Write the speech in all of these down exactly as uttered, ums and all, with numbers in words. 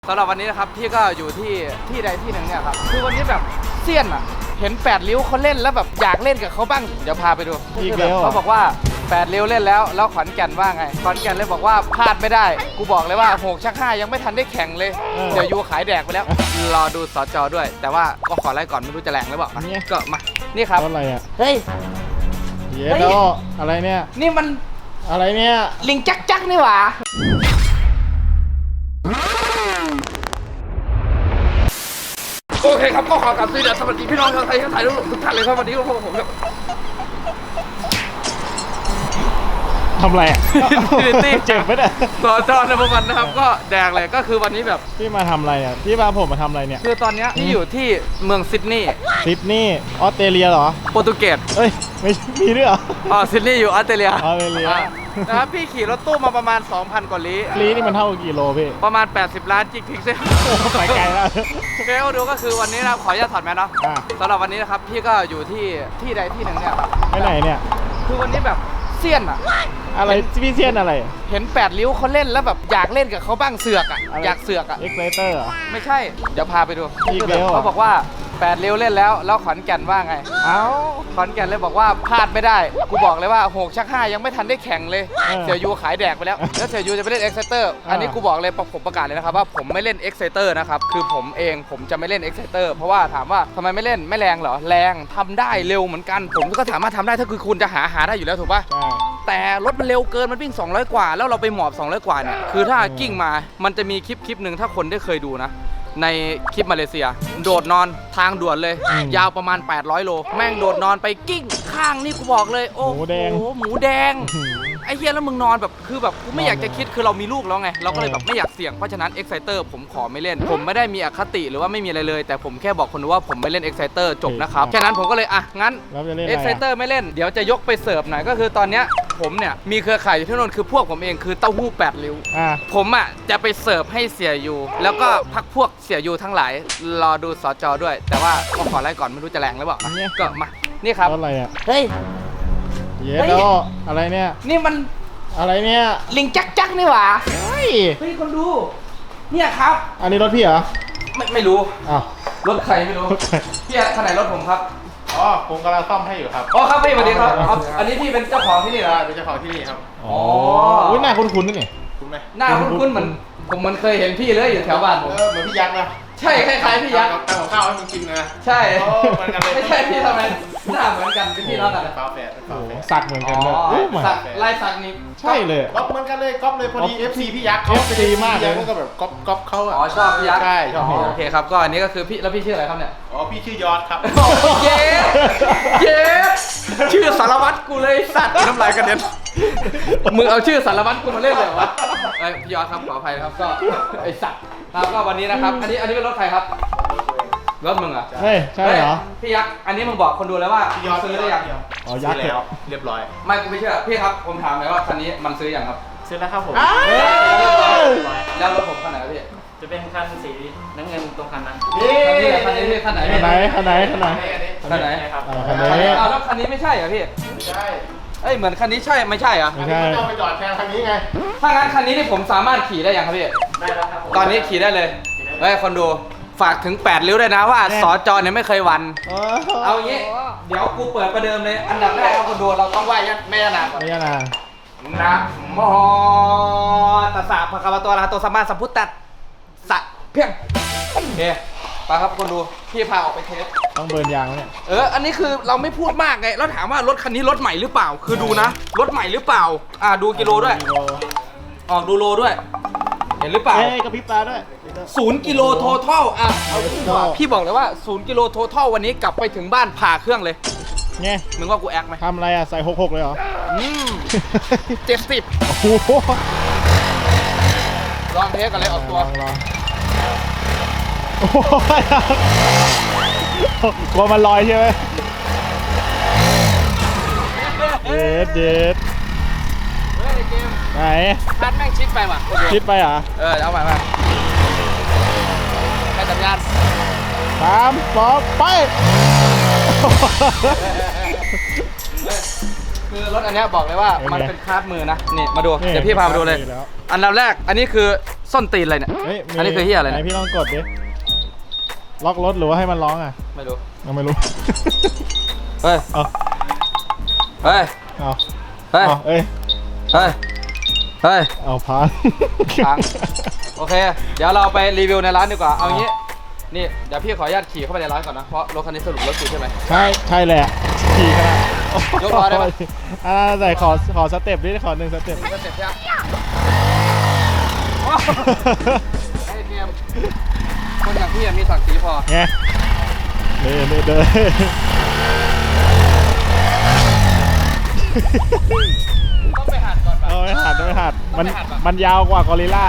สำหรับวันนี้นะครับพี่ก็อยู่ที่ที่ใดที่หนึ่งเนี่ยครับคือวันนี้แบบเซียนอ่ะเห็นแปดริ้วเขาเล่นแล้วแบบอยากเล่นกับเขาบ้างเดี๋ยวพาไปดูเขาบอกว่าแปดริ้วเล่นแล้วแล้วขอนแก่นว่าไงขอนแก่นเลยบอกว่าพลาดไม่ได้กูบอกเลยว่าหกชักห้ายังไม่ทันได้แข่งเลยเดี๋ยวยูขายแดกไปแล้วรอดูสจด้วยแต่ว่าก็ขอไล่ก่อนไม่รู้จะแรงหรือเปล่าก็มานี่ครับอะไรอ่ะเฮ้ยเยโดอะไรเนี่ยนี่มันอะไรเนี่ยลิงจักจักนี่หว่าโอเคครับก็ขอกราบสวัสดีพี่น้องชาวไทยชาวไทยทุกท่านเลยครับวันนี้ก็พบกับผมครับทำไรอ่ะเจ็บไหมเนี่ยสอจอในประมาณนะครับก็แดกเลยก็คือวันนี้แบบพี่มาทำอะไรอ่ะพี่มาผมมาทำอะไรเนี่ยคือตอนนี้พี่อยู่ที่เมืองซิดนีย์ซิดนีย์ออสเตรเลียเหรอโปรตุเกสเฮ้ยไม่มีด้วยเหรออ๋อซิดนีย์อยู่ออสเตรเลียออสเตรเลียนะครับพี่ขี่รถตู้มาประมาณ สองพัน กว่าลี้ลี้นี่มันเท่ากี่โลพี่ประมาณแปดสิบล้านจิกพิกเซลไปไกลแล้วโอเคก็ดูก็คือวันนี้นะขออนุญาตถอดแมสเนาะสำหรับวันนี้นะครับพี่ก็อยู่ที่ที่ใดที่หนึ่งเนี่ยครับไปไหนเนี่ยคือวันนี้แบบเซียนอะอะไรพี่เซียนอะไรเห็นแปดริ้วเขาเล่นแล้วแบบอยากเล่นกับเขาบ้างเสือกอะอยากเสือกอะเอ็กเซเตอร์ไม่ใช่เดี๋ยวพาไปดูเขาบอกว่าแปดริ้วเล่นแล้วแล้วขอนแก่นว่าไงเอ้าขอนแก่นเลยบอกว่าพลาดไม่ได้กูบอกเลยว่าหกชักห้ายังไม่ทันได้แข่งเลยเสี่ยยูขายแดกไปแล้วแล้วเสี่ยยูจะไปเล่นเอ็กเซเตอร์อันนี้กูบอกเลยผมประกาศเลยนะครับว่าผมไม่เล่นเอ็กเซเตอร์นะครับคือผมเองผมจะไม่เล่นเอ็กเซเตอร์เพราะว่าถามว่าทำไมไม่เล่นไม่แรงเหรอแรงทำได้เร็วเหมือนกันผมก็สามารถทำได้ถ้าคือคุณจะหาหาได้อยู่แล้วถูกป่ะแต่รถมันเร็วเกินมันวิ่งสองร้อยกว่าแล้วเราไปหมอบสองร้อยกว่าเนี่ยคือถ้ากิ้งมามันจะมีคลิปคลิปหนึ่งถ้าคนได้เคยดูนะในคลิปมาเลเซียโดดนอนทางด่วนเลยยาวประมาณแปดร้อยโลแม่งโดดนอนไปกิ้งข้างนี่กูบอกเลยโอ้โหหมูแดงไอ้เหี้ยแล้วมึงนอนแบบคือแบบกูไม่อยากจะคิดคือเรามีลูกแล้วไงเราก็เลยแบบไม่อยากเสี่ยงเพราะฉะนั้น Exciter ผมขอไม่เล่นผมไม่ได้มีอคติหรือว่าไม่มีอะไรเลยแต่ผมแค่บอกคนดูว่าผมไม่เล่น Exciter จบนะครับแค่นั้นผมก็เลยอ่ะงั้น Exciter ไม่เล่นเดี๋ยวจะยกไปเสิร์ฟหน่อยก็คือตอนเนี้ยผมเนี่ยมีเครือข่ายอยู่ที่นู่นคือพวกผมเองคือเต้าหู้แปดริ้วผมอ่ะจะไปเสิร์ฟให้เสียยูแล้วก็พักพวกเสียยูทั้งหลายรอดูสจด้วยแต่ว่าก็ขอไล่ก่อนไม่รู้จะแรงหรือเปล่าก็มานี่ครับอะไรอ่ะเฮ้ยเยโดอะไรเนี่ยนี่มันอะไรเนี่ยลิงจักจักนี่หว่าเฮ้ยเฮ้ยคนดูเนี่ยครับอันนี้รถพี่เหรอไม่ไม่รู้อ้าวรถใครไม่รู้พี่ขนาดรถผมครับอ๋อผมกำลังซ่อมให้อยู่ครับอ๋อครับพี่สวัสดีครับอันนี้พี่เป็นเจ้าของที่นี่เหรอเป็นเจ้าของที่นี่ครับอ๋ออุ้ยหน้าคุ้นๆนี่คุ้นไหมหน้าคุ้นๆเหมือนผมมันเคยเห็นพี่เลยอยู่แถวบ้านผมเออเหมือนพี่ยักษ์นะใช่คล้ายๆพี่ยักษ์ทำกับข้าวให้มึงกินนะใช่เหมือนกันเลยไม่ใช่พี่ทำไมหน้าเหมือนกันเป็นพี่น้องกันฝาแฝดฝาแฝดสักเหมือนกันเลยสักลายสักนี่ใช่เลยก๊อปเหมือนกันเลยก๊อปเลยพอดี เอฟ ซี พี่ยักษ์เอฟ ซี มากเลยก็แบบก๊อปก๊อปเขาอ่ะอ๋อชอบพี่ยักษ์ใช่ชอบโอเคครับก็อันนี้ก็คือพี่แล้วพี่ชื่ออะไรครับเนี่ยอ๋อพี่ชื่อยอดครับเย้เย้ชื่อสารวัตรกูเลยสัตว์น้ำลายกระเด็นมึงเอาชื่อสารวัตรกูมาเล่นเลยวะไอ้พี่ยอดครับขออภัยครับก็ไอ้สัตว์ครับก็วันนี้นะครับอันนี้อันนี้เป็นรถใครครับรถมึงอ่ะเฮ้ยใช่เหรอพี่ยักษ์อันนี้มึงบอกคนดูแล้วว่าพี่ยอดซื้อได้ยังอ๋อยักษ์แล้วเรียบร้อยไม่กูไม่เชื่อพี่ครับผมถามเลยว่าคันนี้มันซื้อยังครับซื้อแล้วครับผมแล้วรถผมคันไหนพี่จะเป็นคันสีน้ำเงินตรงคันนั้นคันนี้คันนี้พี่คันไหนคันไหนคันไหนคันไหนคันไหนครับคันนี้อ้าวแล้วคันนี้ไม่ใช่เหรอพี่ไม่ใช่เอ้ยเหมือนคันนี้ใช่ไม่ใช่เหรอไม่ใช่ต้องไปจอดแทนคันนี้ไงถ้างั้นคันนี้นี่ผมสามารถขี่ได้ยังครับพี่ได้แล้วครับตอนนี้ขี่ได้เลยเฮ้ยคนดูฝากถึงแปดริ้วด้วยนะว่าสจเนี่ยไม่เคยวันเอางี้เดี๋ยวกูเปิดประเดิมเลยอันดับแรกเอาคนดูเราต้องไหว้ยันแม่นาก่อนแม่นานะโมตัสสะภะคะวะโตอะระหะโตสัมมาสัมพุทธัสสะเพียงโอเคไปครับคนดูพี่พาออกไปเทสต้องเบิร์นยางเนี่ยเอออันนี้คือเราไม่พูดมากไงแล้วถามว่ารถคันนี้รถใหม่หรือเปล่าคือดูนะรถใหม่หรือเปล่าอ่าดูกิโลด้วยออกดูโลด้วยเห็นหรือเปล่าเอ้ยกระพริบตาด้วยศูนย์กิโลโททัลอ่ะเอาดีกว่าพี่บอกเลยว่าศูนย์กิโลโททัลวันนี้กลับไปถึงบ้านผ่าเครื่องเลยไงมึงว่ากูแอคไหมทำอะไรอ่ะใส่หกหกเลยเหรออืมเจ็ดสิบโอ้โหลองเทสกันเลยออกตัวลองโอ้โหกลัวมันลอยใช่ไหมเด็ดเด็ดเฮ้ยเกมไหนพัดแม่งชิดไปว่ะชิดไปเหรอเออเอาใหม่มาให้สัญญาณสามสองไปคือรถอันนี้บอกเลยว่ามันเป็นคาร์ดมือนะนี่มาดูเดี๋ยวพี่พามาดูเลยอันดับแรกอันนี้คือส้นตีนอะไรเนี่ยเฮ้ยมีอันนี้คือเหี้ยอะไรไหนเนี่ยพี่ลองกดดิ ล็อกรถหรือว่าให้มันร้องอ่ะไม่รู้ยังไม่รู้เฮ้ยเอาเฮ้ยเอาเฮ้ยเอาเอ้ยเฮ้ย เฮ้ยเอาพังพัง โอเค เดี๋ยวเราไปรีวิวในร้านดีกว่า เอางี้ นี่เดี๋ยวพี่ขออนุญาตขี่เข้าไปในร้านก่อนนะ เพราะรถคันนี้สรุปรถกูใช่ไหมใช่ใช่แหละขี่ขนาดยกล้อได้ปะอ่าใส่ขอขอสเต็ปดิขอหนึ่งสเต็ปก็เสร็จยังไอ้เตรียมคนอย่างพี่อะมีศักดิ์ศรีพอไงเดินเดินเดินต้องไปหัดก่อนป่ะเอาไม่หัดไม่หัดมันไม่หัดปะมันยาวกว่ากอริลล่า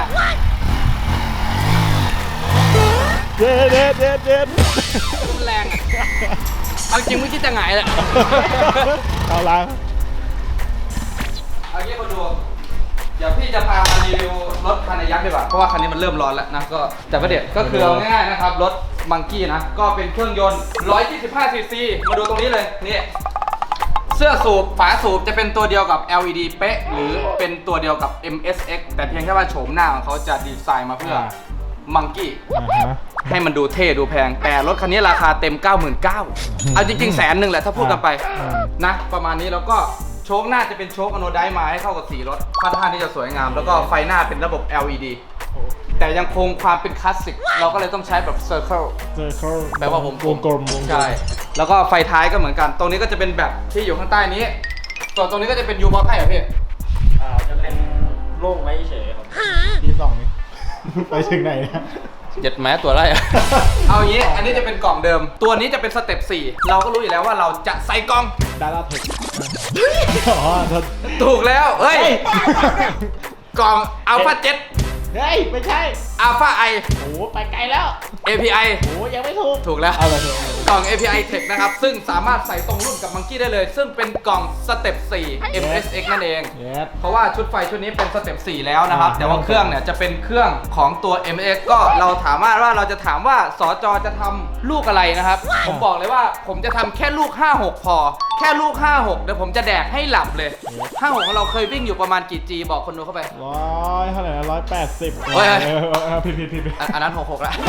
เด็ดเด็ดเด็ดเด็ดมันแรงอะเอาจริงไม่คิดจะหงายเลยเอาล้างเอางี้คนดู เดี๋ยวพี่จะพามารีวิวรถคันยักษ์ดีกว่า เพราะว่าคันนี้มันเริ่มร้อนแล้วนะ ก็แต่ประเด็นก็คือเอาง่ายๆนะครับ รถมังกี้นะ ก็เป็นเครื่องยนต์ หนึ่งร้อยยี่สิบห้า ซีซี มาดูตรงนี้เลย นี่ เสื้อสูบฝาสูบจะเป็นตัวเดียวกับ แอล อี ดี เป๊ะ หรือเป็นตัวเดียวกับ เอ็ม เอส เอ็กซ์ แต่เพียงแค่ว่าโฉมหน้าของเขาจะดีไซน์มาเพื่อมังกี้อ่าฮะให้มันดูเท่ดูแพง แต่รถคันนี้ราคาเต็ม เก้าหมื่นเก้าพัน เอาจริงๆแสนหนึ่งแหละถ้าพูดกันไปอืมนะ ประมาณนี้แล้วก็โชคหน้าจะเป็นโชคอโนไดซ์มาให้เข้ากับสีรถค่อนข้างที่จะสวยงาม แล้วก็ไฟหน้าเป็นระบบ แอล อี ดี แต่ยังคงความเป็นคลาสสิกเราก็เลยต้องใช้แบบ Circle เจอเขาแปลว่าวงกลมวงกลมวงกลมใช่ แล้วก็ไฟท้ายก็เหมือนกัน ตรงนี้ก็จะเป็นแบบที่อยู่ข้างใต้นี้ ส่วนตรงนี้ก็จะเป็นยูบอลให้เหรอพี่อ่าจะเป็นโล่งไว้เฉยครับทีสองนี่ ไปถึงไหนเนี่ยเจ็ดแม้ตัวไรอะ เอาอย่างนี้ อันนี้จะเป็นกล่องเดิม ตัวนี้จะเป็นสเต็ปสี่เราก็รู้อยู่แล้วว่าเราจะใส่กล่องดาราเทคอ๋อโทษถูกแล้ว เฮ้ย กล่องอัลฟาเจ็ดเฮ้ย ไม่ใช่อัลฟาไอโอ้โหไปไกลแล้วเอ พี ไอโอ้ยังไม่ถูกถูกแล้วเอาเลยเถอะกล่อง เอ พี ไอ Tech นะครับ ซึ่งสามารถใส่ตรงรุ่นกับมังกี้ได้เลย ซึ่งเป็นกล่องสเต็ปสี่ เอ็ม เอส เอ็กซ์ นั่นเองเยสเพราะว่าชุดไฟชุดนี้เป็นสเต็ปสี่แล้วนะครับอ่าแต่ว่าเครื่องเนี่ยจะเป็นเครื่องของตัว เอ็ม เอส ก็เราถามว่าว่าเราจะถามว่าสจจะทำลูกอะไรนะครับ ผมบอกเลยว่าผมจะทำแค่ลูก ห้าหก พอ แค่ลูก ห้าหก เดี๋ยวผมจะแดกให้หลับเลย ห้าหก ของเราเคยวิ่งอยู่ประมาณกี่ G บอกคนดูเข้าไปร้อยเท่าไหร่นะร้อยแปดสิบเฮ้ยผิดผิดผิดผิดอันอันนั้นหกหกแล้ว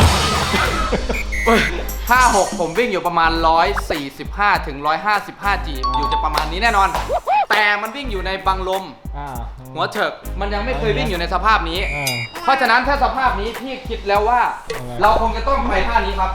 ห้าหกผมวิ่งอยู่ประมาณ หนึ่งร้อยสี่สิบห้า ถึง หนึ่งร้อยห้าสิบห้า จี อยู่จะประมาณนี้แน่นอน แต่มันวิ่งอยู่ในบังลมอ่าหัวเถิกมันยังไม่เคยวิ่งอยู่ในสภาพนี้อ่าเพราะฉะนั้นถ้าสภาพนี้พี่คิดแล้วว่าอะไรเราคงจะต้องไปท่านี้ครับ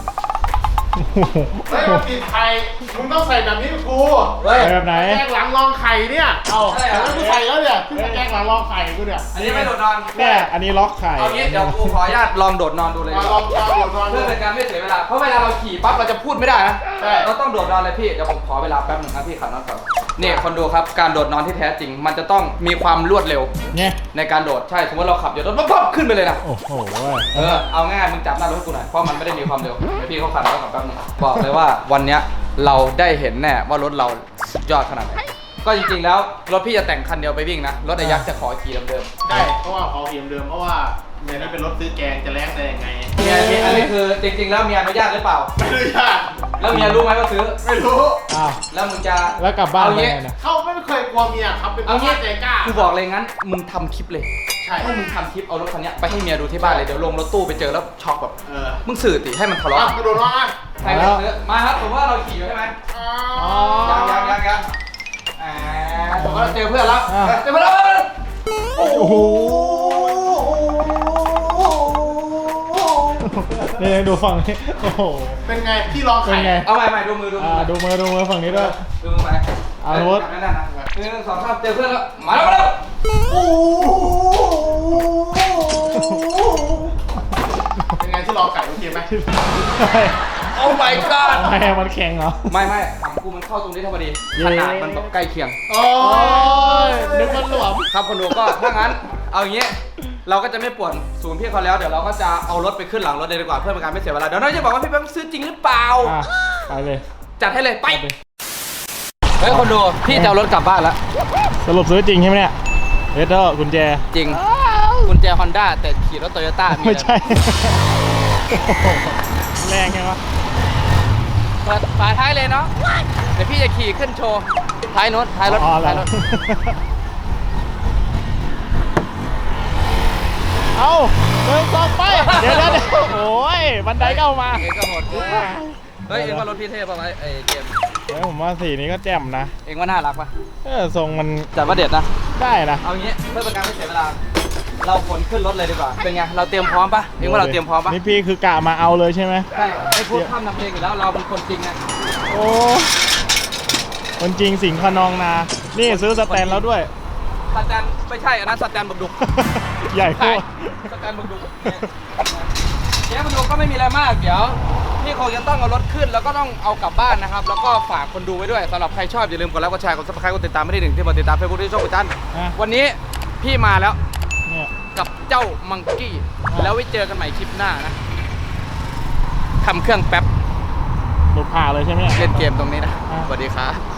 เฮ้ยมาปิดไข่มึงต้องใส่แบบนี้กับกูเฮ้ยแบบไหนแกงหลังรองไข่เนี่ย เอาใช่เหรอแล้วกูใส่แล้วเนี่ยขึ้นมาแกงหลังรองไข่กูเนี่ยอันนี้ไม่โดดนอนเนี่ยอันนี้ล็อกไข่เอางี้เดี๋ยวกูขออนุญาตลองโดดนอนดูเลยมาลองลองลองลองเพื่อเป็นการไม่เสียเวลา เพราะเวลาเราขี่ปั๊บเราจะพูดไม่ได้นะใช่เราต้องโดดนอนเลยพี่ เดี๋ยวผมขอเวลาแป๊บหนึงครับพี่ขับน็อตก่อนนี่คนดูครับ การโดดนอนที่แท้จริง มันจะต้องมีความรวดเร็วเนี่ยในการโดด ใช่ สมมติเราขับอยู่รถปั๊บขึ้นไปเลยนะโอ้โหเออ เอาง่ายๆมึงจับหน้ารถให้กูหน่อย เพราะมันไม่ได้มีความเร็วเดี๋ยวพี่เขาขับแล้วกับแป๊บนึงบอกเลยว่าวันเนี้ยเราได้เห็นแน่ว่ารถเราสุดยอดขนาดไหน ก็จริงๆแล้วรถพี่จะแต่งคันเดียวไปวิ่งนะ รถไอ้ยักษ์จะขอขี่เดิมใช่เพราะว่าขอเพียมเดิมเพราะว่าเนี่ยนี่เป็นรถซื้อแกงจะแลกได้ยังไงๆเมียมีอันนี้คือจริงๆแล้วเมียอนุญาตหรือเปล่าไม่รู้ยากแล้วเมียรู้ไหมว่าซื้อไม่รู้อ้าวแล้วมึงจะแล้วกลับบ้านเอาไปงี้ไงนะเขาไม่เคยกลัวเมียครับเป็นเอางี้ใจกล้ากูบอกเลยงั้น มึงทำคลิปเลยใช่ให้มึงทำคลิปเอารถคันเนี้ยไปให้เมียดูที่บ้านเลย เดี๋ยวลงรถตู้ไปเจอแล้วช็อกแบบเออมึงสื่อติให้มันทะเอาเลาะกระโดดมาใครไม่ซื้อมาครับผมว่าเราขี่อยู่ใช่ไหมอ๋อยังยังยังยังอ่าผมก็เจอเพื่อนแล้วอ่ะเจอเพื่อนแล้วโอ้โหนี่ดูฝั่งนี้โอ้โหเป็นไงพี่ลองเป็ไข่นไงเอาใหม่ใหม่ดูมือดูมือ่าดูมือดูมือฝั่งนี้ด้วยดูมือไปเอารถนั่นนะหนึ่งสองสามเจอเพื่อนแล้วมาแล้วมาแล้วโอ้เป็นไงที่ลองไข่โอเคไหมโอ้ my god ทำไมมันแข็งเหรอไม่ไม่ถามกูมันเข้าตรงนี้เท่าพอดีเย้ขนาดมันแบบใกล้เคียงโอ้ยนึกว่าหลวมครับคนดูก็ถ้างั้นเอาอย่างงี้เราก็จะไม่ป่วนศูนย์พี่เขาแล้วเดี๋ยวเราก็จะเอารถไปขึ้นหลังรถเลยดีกว่าเพื่อเป็นการไม่เสียเวลาเดี๋ยวน้อยจะบอกว่าพี่แบงค์ซื้อจริงหรือเปล่าอ่ะไปเลยจัดให้เลยไปไปเฮ้ยคนดูพี่จะเอารถกลับบ้านแล้วสรุปซื้อจริงใช่ไหมเนี่ยเอสเตอร์กุญแจจริงกุญแจฮอนด้าแต่ขี่รถโตโยต้าไม่ใช่ แรงไงวะเปิดฝาท้ายเลยเนาะเดี๋ยวพี่จะขี่ขึ้นโชว์ท้ายรถท้ายรถอ๋อเหรอท้ายรถเอาเดินสองไปเดี๋ยวเดี๋ยวโอ้ยบันไดก็เอามาเองก็โหดเกินเฮ้ยเองว่ารถพี่เทพป่ะไอ้เกมเฮ้ยผมว่าสีนี้ก็แจ่มนะเองว่าน่ารักป่ะเออทรงมันจัดว่าเด็ดนะได้นะเอางี้เพื่อเป็นการไม่เสียเวลา เราขนขึ้นรถเลยดีกว่า เป็นไง เราเตรียมพร้อมปะเองว่าเราเตรียมพร้อมปะนี่พี่คือกะมาเอาเลยใช่ไหมใช่ไอ้พวกข้ามนำเพลงอยู่แล้ว เราเป็นคนจริงไงโอ้คนจริงสิงห์ขนองนา นี่ซื้อสแตนแล้วด้วยสแตนไม่ใช่ อันนั้นสแตนบักดุกใหญ่โคใช่ตรสแตนบักดุกเจ๊บักดุกก็ไม่มีอะไรมาก เดี๋ยวพี่คงจะต้องเอารถขึ้นแล้วก็ต้องเอากลับบ้านนะครับ แล้วก็ฝากคนดูไว้ด้วยสำหรับใครชอบอย่าลืมกดไลค์กดแชร์กดซับสไครต์กดติดตามไม่ได้หนึ่งที่มาติดตามเฟซบุ๊กที่ช่องปิตันอ่ะวันนี้พี่มาแล้วเนี่ยกับเจ้ามังกี้ แล้วไว้เจอกันใหม่คลิปหน้านะทำเครื่องแป๊บหลุดผ่าเลยใช่ไหมเล่นเกมตรงนี้นะอ่ะสวัสดีครับ